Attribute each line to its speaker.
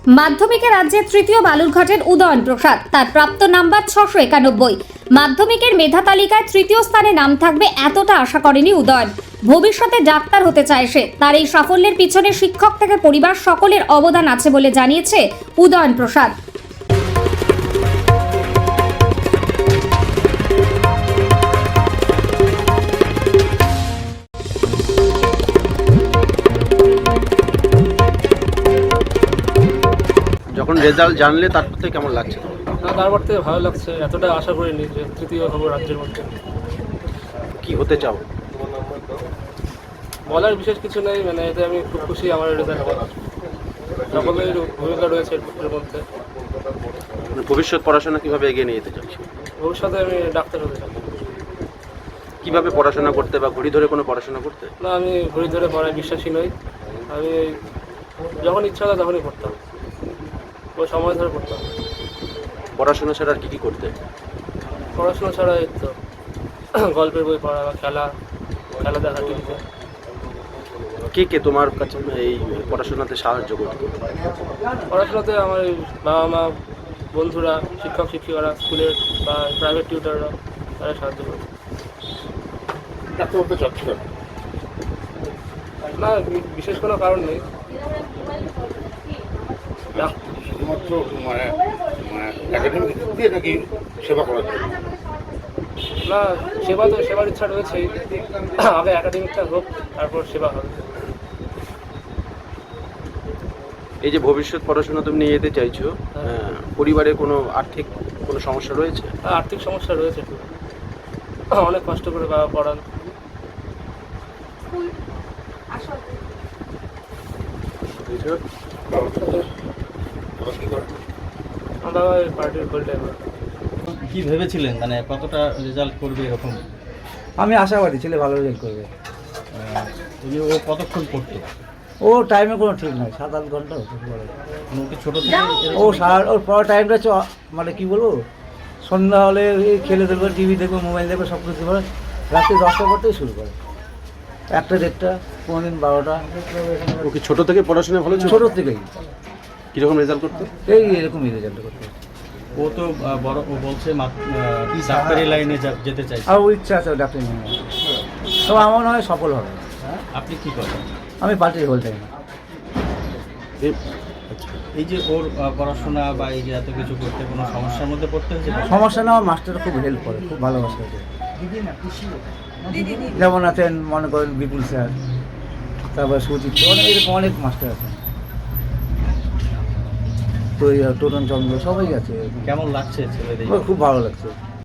Speaker 1: মাধ্যমিকে রাজ্যের তৃতীয় বালুরঘাটের উদয়ন প্রসাদ, তার প্রাপ্ত নাম্বার 691। মাধ্যমিকের মেধা তালিকায় তৃতীয় স্থানে নাম থাকবে এতটা আশা করেনি উদয়ন। ভবিষ্যতে ডাক্তার হতে চায় সে। তার এই সাফল্যের পিছনে শিক্ষক থেকে পরিবার সকলের অবদান আছে বলে জানিয়েছে উদয়ন প্রসাদ।
Speaker 2: যখন রেজাল্ট জানলে তারপর থেকে কেমন লাগছে?
Speaker 3: তারপর থেকে ভালো লাগছে, এতটা আশা করিনি যে তৃতীয় হবো রাজ্যের মধ্যে।
Speaker 2: কি হতে চাও?
Speaker 3: বলার বিশেষ কিছু নেই, মানে এতে আমি খুব খুশি। আমার রেজাল্টে সকলের ভূমিকা রয়েছে এর মধ্যে।
Speaker 2: ভবিষ্যৎ পড়াশোনা কিভাবে এগিয়ে নিয়ে যেতে চাচ্ছ?
Speaker 3: ভবিষ্যতে আমি ডাক্তার হতে চাই।
Speaker 2: কিভাবে পড়াশোনা করতে বা ঘড়ি ধরে কোনো পড়াশোনা করতে?
Speaker 3: না, আমি ঘড়ি ধরে পড়ায় বিশ্বাসী নই। আমি যখন ইচ্ছা হতো তখনই পড়তাম, ওই সময় ধরে পড়তাম।
Speaker 2: পড়াশোনা ছাড়া আর কি কি করতে?
Speaker 3: পড়াশোনা ছাড়া এই তো গল্পের বই পড়া বা খেলা দেখা টিভিতে।
Speaker 2: কে কে তোমার কাছে এই পড়াশোনাতে সাহায্য করতো?
Speaker 3: পড়াশোনাতে আমার বাবা মা, বন্ধুরা, শিক্ষক শিক্ষিকারা, স্কুলের বা প্রাইভেট টিউটাররা, তারা সাহায্য করে। না, বিশেষ কোনো কারণ নেই।
Speaker 4: শুধুমাত্র একাডেমিক দিক দিয়ে নাকি সেবা করার জন্য?
Speaker 3: না, সেবার ইচ্ছা রয়েছেই। আগে একাডেমিকটা হোক, তারপর সেবা হবে।
Speaker 2: এই যে ভবিষ্যৎ পড়াশোনা তুমি নিয়ে যেতে চাইছো, পরিবারে কোনো আর্থিক কোনো সমস্যা রয়েছে?
Speaker 3: আর্থিক সমস্যা রয়েছে একটু। অনেক কষ্ট করে বাবা পড়ান। আমার বাবা পার্টির ফুল টাইমার।
Speaker 5: কি ভেবেছিলেন, মানে কতটা রেজাল্ট করবে এরকম?
Speaker 6: আমি আশাবাদী ছেলে ভালো রেজাল্ট করবে।
Speaker 5: তুমি ও কতক্ষণ পড়তো?
Speaker 6: ও টাইমে কোনো ঠিক নাই, 7-8 ঘন্টা হতে পারে।
Speaker 5: মানে ওকে ছোটো থেকে
Speaker 6: ও ওর পড়ার টাইমটা হচ্ছে মানে কী বলবো, সন্ধ্যা হলে এই খেলে দেখবে, টিভি দেখবে, মোবাইল দেখবে, সব কিছু করে রাত্রি 10টা পড়তেই শুরু করে, 1টা 1:30, কোনোদিন 12টা।
Speaker 2: ও কি ছোটো থেকে পড়াশোনা ভালো ছিল?
Speaker 6: ছোটো থেকেই
Speaker 2: কীরকম রেজাল্ট করতো?
Speaker 6: এই এরকমই রেজাল্ট করতে।
Speaker 5: ও তো বড়, ও বলছে ডাক্তারি লাইনে যেতে চাই।
Speaker 6: আর ও ইচ্ছা আছে ডাক্তারি নিয়ে, তো আমার মনে হয় সফল হবে।
Speaker 5: আপনি কি করেন?
Speaker 6: আমি পার্টির হোল টাইম।
Speaker 5: এই যে ওর পড়াশোনা বা এই যে এত কিছু করতে কোনো সমস্যার মধ্যে পড়তে হয়েছে?
Speaker 6: সমস্যা না, আমার মাস্টার খুব হেল্প করে, খুব ভালোবাসে ওকে। যেমন আছেন মনে করেন বিপুল স্যার, তারপরে সুচিত্র, এরকম অনেক মাস্টার আছেন, তো টোটন চন্দ্র, সবাই আছে।
Speaker 5: কেমন লাগছে ছেলেদের?
Speaker 6: খুব ভালো লাগছে।